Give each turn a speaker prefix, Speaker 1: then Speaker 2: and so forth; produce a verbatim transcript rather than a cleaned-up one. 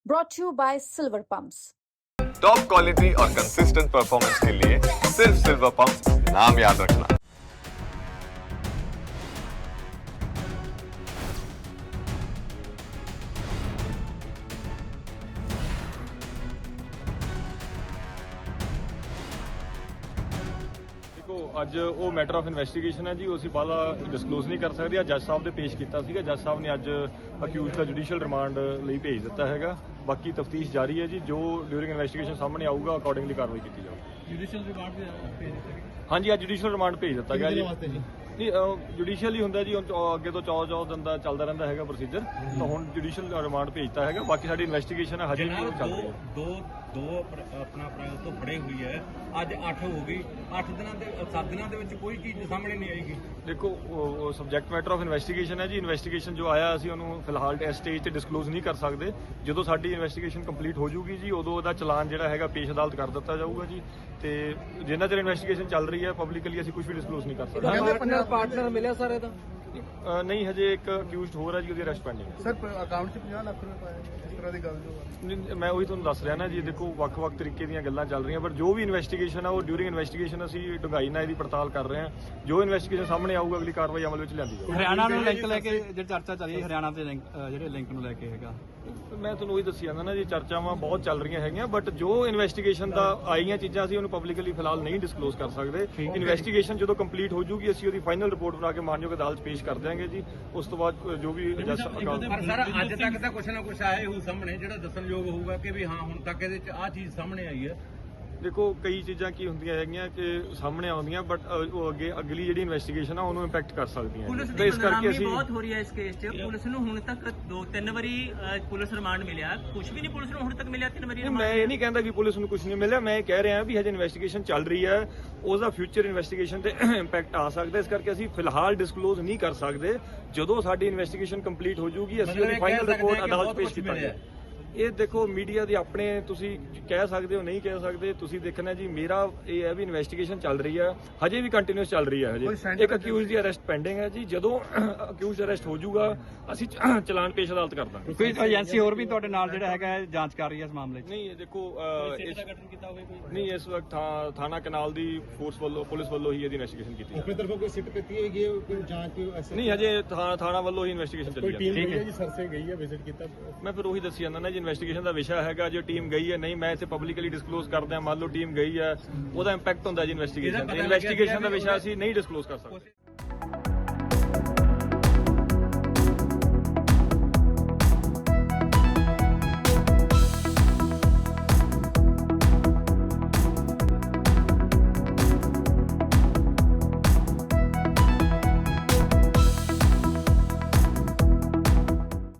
Speaker 1: brought to you by Silver Pumps.
Speaker 2: Top quality और consistent performance के लिए सिर्फ सिल्वर पंप नाम याद रखना।
Speaker 3: ਅੱਜ ਉਹ ਮੈਟਰ ਆਫ ਇਨਵੈਸਟੀਗੇਸ਼ਨ ਹੈ ਜੀ, ਉਹ ਅਸੀਂ ਬਾਅਦ ਡਿਸਕਲੋਜ਼ ਨਹੀਂ ਕਰ ਸਕਦੇ। ਅੱਜ ਜੱਜ ਸਾਹਿਬ ਦੇ ਪੇਸ਼ ਕੀਤਾ ਸੀਗਾ, ਜੱਜ ਸਾਹਿਬ ਨੇ ਅੱਜ ਅਕਿਊਜ਼ ਦਾ ਜੁਡੀਸ਼ੀਅਲ ਰਿਮਾਂਡ ਲਈ ਭੇਜ ਦਿੱਤਾ ਹੈਗਾ। ਬਾਕੀ ਤਫਤੀਸ਼ ਜਾਰੀ ਹੈ ਜੀ, ਜੋ ਡਿਊਰਿੰਗ ਇਨਵੈਸਟੀਗੇਸ਼ਨ ਸਾਹਮਣੇ ਆਊਗਾ ਅਕੋਰਡਿੰਗਲੀ ਕਾਰਵਾਈ ਕੀਤੀ ਜਾਊਗੀ।
Speaker 4: ਜੁਡੀਸ਼ੀਅਲ ਰਿਮਾਂਡ ਵੀ ਭੇਜ ਦਿੱਤਾ
Speaker 3: ਹਾਂਜੀ, ਅੱਜ ਜੁਡੀਸ਼ੀਅਲ ਰਿਮਾਂਡ ਭੇਜ ਦਿੱਤਾ ਗਿਆ ਜੀ। ਨਹੀਂ, ਜੁਡੀਸ਼ੀਅਲ ਹੀ ਹੁੰਦਾ ਜੀ, ਹੁਣ ਅੱਗੇ ਤੋਂ ਚੌ ਚੌ ਦਿਨ ਦਾ ਚੱਲਦਾ ਰਹਿੰਦਾ ਹੈਗਾ ਪ੍ਰੋਸੀਜਰ, ਤਾਂ ਹੁਣ ਜੁਡੀਸ਼ੀਅਲ ਰਿਮਾਂਡ ਭੇਜਤਾ ਹੈਗਾ। ਬਾਕੀ ਸਾਡੀ ਇਨਵੈਸਟੀਗੇਸ਼ਨ ਹਜੇ ਵੀ ਚੱਲ ਰਹੀ ਹੈ।
Speaker 4: ਦੋ ਦੋ ਆਪਣਾ ਅਪ੍ਰੈਲ ਤੋਂ ਫੜੇ ਹੋਈ ਹੈ, ਅੱਜ ਅੱਠ ਹੋ ਗਈ। ਅੱਠ ਦਿਨਾਂ ਦੇ ਸੱਤ ਦਿਨਾਂ ਦੇ ਵਿੱਚ ਕੋਈ ਚੀਜ਼ ਸਾਹਮਣੇ ਨਹੀਂ ਆਏਗੀ। ਦੇਖੋ,
Speaker 3: ਉਹ ਸਬਜੈਕਟ ਮੈਟਰ ਆਫ ਇਨਵੈਸਟੀਗੇਸ਼ਨ ਹੈ ਜੀ। ਇਨਵੈਸਟੀਗੇਸ਼ਨ ਜੋ ਆਇਆ ਅਸੀਂ ਉਹਨੂੰ ਫਿਲਹਾਲ ਇਸ ਸਟੇਜ ਤੇ ਡਿਸਕਲੋਜ਼ ਨਹੀਂ ਕਰ ਸਕਦੇ। ਜਦੋਂ ਸਾਡੀ ਇਨਵੈਸਟੀਗੇਸ਼ਨ ਕੰਪਲੀਟ ਹੋ ਜੂਗੀ ਜੀ, ਉਦੋਂ ਉਹਦਾ ਚਲਾਨ ਜਿਹੜਾ ਹੈਗਾ ਪੇਸ਼ ਅਦਾਲਤ ਕਰ ਦਿੱਤਾ ਜਾਊਗਾ ਜੀ। ਤੇ ਜਿੰਨਾ ਚਿਰ ਇਨਵੈਸਟੀਗੇਸ਼ਨ ਚੱਲ ਰਹੀ ਹੈ ਪਬਲਿਕਲੀ ਅਸੀਂ ਕੁਝ ਵੀ ਡਿਸਕਲੋਜ਼ ਨਹੀਂ ਕਰ ਸਕਦੇ।
Speaker 5: ਪਾਰਟਨਰ ਮਿਲਿਆ ਸਰ ਇਹਦਾ?
Speaker 3: ਅ, ਨਹੀਂ, ਹਜੇ ਇੱਕ ਅਕਿਊਜ਼ਡ ਹੋਰ ਹੈ ਜੀ, ਉਹਦੀ ਅਰੈਸਟ ਪੈਂਡਿੰਗ ਹੈ।
Speaker 5: ਸਰ ਅਕਾਊਂਟ 'ਚ ਪੰਜਾਹ ਲੱਖ ਰੁਪਏ ਪਾਏ, ਇਸ ਤਰ੍ਹਾਂ ਦੀ ਗੱਲ ਜੋ
Speaker 3: ਨਹੀਂ, ਮੈਂ ਉਹੀ ਤੁਹਾਨੂੰ ਦੱਸ ਰਿਹਾ ਨਾ ਜੀ। ਦੇਖੋ, ਵੱਖ-ਵੱਖ ਤਰੀਕੇ ਦੀਆਂ ਗੱਲਾਂ ਚੱਲ ਰਹੀਆਂ, ਪਰ ਜੋ ਵੀ ਇਨਵੈਸਟੀਗੇਸ਼ਨ ਆ ਉਹ ਡਿਊਰਿੰਗ ਇਨਵੈਸਟੀਗੇਸ਼ਨ ਅਸੀਂ ਡੂੰਘਾਈ ਨਾਲ ਇਹਦੀ ਪੜਤਾਲ ਕਰ ਰਹੇ ਹਾਂ। ਜੋ ਇਨਵੈਸਟੀਗੇਸ਼ਨ ਸਾਹਮਣੇ ਆਊਗਾ ਅਗਲੀ ਕਾਰਵਾਈ ਅਮਲ ਵਿੱਚ ਲਿਆਂਦੀ ਜਾਊਗੀ।
Speaker 6: ਹਰਿਆਣਾ ਨੂੰ ਲਿੰਕ ਲੈ ਕੇ ਜਿਹੜੀ ਚਰਚਾ ਚੱਲ ਰਹੀ ਹੈ, ਹਰਿਆਣਾ ਦੇ ਲਿੰਕ ਜਿਹੜੇ ਲਿੰਕ ਨੂੰ ਲੈ ਕੇ ਹੈਗਾ,
Speaker 3: ਮੈਂ ਤੁਹਾਨੂੰ ਉਹੀ ਦੱਸੀ ਜਾਂਦਾ ਨਾ ਜੀ, ਚਰਚਾਵਾਂ ਬਹੁਤ ਚੱਲ ਰਹੀਆਂ ਹੈਗੀਆਂ, ਬਟ ਜੋ ਇਨਵੈਸਟੀਗੇਸ਼ਨ ਦਾ ਆਈਆਂ ਚੀਜ਼ਾਂ ਅਸੀਂ ਉਹਨੂੰ ਪਬਲਿਕਲੀ ਫਿਲਹਾਲ ਨਹੀਂ ਡਿਸਕਲੋਜ਼ ਕਰ ਸਕਦੇ। ਇਨਵੈਸਟੀਗੇਸ਼ਨ ਜਦੋਂ ਕੰਪਲੀਟ ਹੋ ਜੂਗੀ ਅਸੀਂ ਉਹਦੀ ਫਾਈਨਲ ਰਿਪੋਰਟ ਬਣਾ ਕੇ ਮਾਨਯੋਗ ਅਦਾਲਤ ਪੇਸ਼ ਕਰ ਦਿਆਂਗੇ ਜੀ। ਉਸ ਤੋਂ ਬਾਅਦ ਜੋ ਵੀ ਜੱਜ ਅਕਾਲ
Speaker 4: ਪਰ ਸਰ ਅੱਜ ਤੱਕ ਤਾਂ ਕੁਛ ਨਾ ਕੁਛ ਆਇਆ ਹੋਊ ਸਾਹਮਣੇ, ਜਿਹੜਾ ਦੱਸਣਯੋਗ ਹੋਊਗਾ ਕਿ ਵੀ ਹਾਂ ਹੁਣ ਤੱਕ ਇਹਦੇ 'ਚ ਆਹ ਚੀਜ਼ ਸਾਹਮਣੇ ਆਈ ਹੈ।
Speaker 3: ਦੇਖੋ, ਕਈ ਚੀਜ਼ਾਂ ਕੀ ਹੁੰਦੀਆਂ ਹੈਗੀਆਂ ਕਿ ਸਾਹਮਣੇ ਆਉਂਦੀਆਂ, ਬਟ ਉਹ ਅੱਗੇ ਅਗਲੀ ਜਿਹੜੀ ਇਨਵੈਸਟੀਗੇਸ਼ਨ ਆ ਉਹਨੂੰ ਇੰਪੈਕਟ ਕਰ ਸਕਦੀਆਂ।
Speaker 7: ਪੁਲਿਸ ਦੀ ਬਦਨਾਮੀ ਬਹੁਤ ਹੋ ਰਹੀ ਹੈ ਇਸ ਕੇਸ 'ਚ। ਪੁਲਿਸ ਨੂੰ ਹੁਣ ਤੱਕ ਦੋ ਤਿੰਨ ਵਾਰੀ ਪੁਲਿਸ ਰਿਮਾਂਡ ਮਿਲਿਆ, ਕੁਝ ਵੀ ਨਹੀਂ ਪੁਲਿਸ ਨੂੰ ਹੁਣ ਤੱਕ ਮਿਲਿਆ। ਤਿੰਨ ਵਾਰੀ
Speaker 3: ਮੈਂ ਇਹ ਨਹੀਂ ਕਹਿੰਦਾ ਕਿ ਪੁਲਿਸ ਨੂੰ ਕੁਝ ਨਹੀਂ ਮਿਲਿਆ, ਮੈਂ ਇਹ ਕਹਿ ਰਿਹਾ ਵੀ ਹਜੇ ਇਨਵੈਸਟੀਗੇਸ਼ਨ ਚੱਲ ਰਹੀ ਹੈ, ਉਹਦਾ ਫਿਊਚਰ ਇਨਵੈਸਟੀਗੇਸ਼ਨ ਤੇ ਇੰਪੈਕਟ ਆ ਸਕਦਾ। ਇਸ ਕਰਕੇ ਅਸੀਂ ਫਿਲਹਾਲ ਡਿਸਕਲੋਜ਼ ਨਹੀਂ ਕਰ ਸਕਦੇ। ਜਦੋਂ ਸਾਡੀ ਇਨਵੈਸਟੀਗੇਸ਼ਨ ਕੰਪਲੀਟ ਹੋ ਜੂਗੀ ਅਸੀਂ ਉਹਦੀ ਫਾਈਨਲ ਰਿਪੋਰਟ ਅਦਾਲਤ ਪੇਸ਼ ਕਰਾਂਗੇ। ਇਹ ਦੇਖੋ, ਮੀਡੀਆ ਦੀ ਆਪਣੇ ਤੁਸੀਂ ਕਹਿ ਸਕਦੇ ਹੋ, ਨਹੀਂ ਕਹਿ ਸਕਦੇ, ਤੁਸੀਂ ਦੇਖਣਾ ਜੀ। ਮੇਰਾ ਇਹ ਹੈ ਵੀ ਇਨਵੈਸਟੀਗੇਸ਼ਨ ਚੱਲ ਰਹੀ ਹੈ, ਹਜੇ ਵੀ ਕੰਟੀਨਿਊਸ ਚੱਲ ਰਹੀ ਹੈ। ਹਜੇ ਇੱਕ ਅਕਿਊਜ਼ ਦੀ ਅਰੈਸਟ ਪੈਂਡਿੰਗ ਹੈ ਜੀ। ਜਦੋਂ ਅਕਿਊਜ਼ ਅਰੈਸਟ ਹੋ ਜਾਊਗਾ ਅਸੀਂ ਚਲਾਨ ਪੇਸ਼ ਅਦਾਲਤ ਕਰ ਦਾਂਗੇ।
Speaker 6: ਕੋਈ ਏਜੰਸੀ ਹੋਰ ਵੀ ਤੁਹਾਡੇ ਨਾਲ ਜਿਹੜਾ ਹੈਗਾ ਜਾਂਚ ਕਰ ਰਹੀ ਹੈ ਇਸ ਮਾਮਲੇ 'ਚ?
Speaker 3: ਨਹੀਂ, ਦੇਖੋ, ਨਹੀਂ, ਇਸ ਵਕਤ ਥਾਣਾ ਕਨਾਲ ਦੀ ਫੋਰਸ ਵੱਲੋਂ, ਪੁਲਿਸ ਵੱਲੋਂ ਹੀ ਇਹਦੀ ਇਨਵੈਸਟੀਗੇਸ਼ਨ ਕੀਤੀ
Speaker 5: ਆਪਣੇ ਤਰਫੋਂ ਕੋਈ ਸਿੱਟ ਕੀਤੀ ਹੈਗੀ, ਕੋਈ ਜਾਂਚ
Speaker 3: ਨਹੀਂ, ਹਜੇ ਥਾਣਾ ਵੱਲੋਂ ਹੀ ਇਨਵੈਸਟੀਗੇਸ਼ਨ ਚੱਲੀ ਹੈ।
Speaker 5: ਠੀਕ ਹੈ ਜੀ, ਸਰਸੇ ਗਈ ਹੈ, ਵਿਜ਼ਿਟ ਕੀਤਾ।
Speaker 3: ਮੈਂ ਫਿਰ ਉਹੀ ਦੱਸੀ ਜਾਂਦਾ ਨਾ ਜੀ, ਇਨਵੈਸਟੀਗੇਸ਼ਨ ਦਾ ਵਿਸ਼ਾ ਹੈਗਾ। ਜੋ ਟੀਮ ਗਈ ਹੈ, ਨਹੀਂ ਮੈਂ ਇੱਥੇ ਪਬਲਿਕਲੀ ਡਿਸਕਲੋਜ਼ ਕਰਦਾ। ਮੰਨ ਲਓ ਟੀਮ ਗਈ ਹੈ, ਉਹਦਾ ਇੰਪੈਕਟ ਹੁੰਦਾ ਜੀ ਇਨਵੈਸਟੀਗੇਸ਼ਨ ਤੇ। ਇਨਵੈਸਟੀਗੇਸ਼ਨ ਦਾ ਵਿਸ਼ਾ ਅਸੀਂ ਨਹੀਂ ਡਿਸਕਲੋਜ਼ ਕਰ ਸਕਦੇ।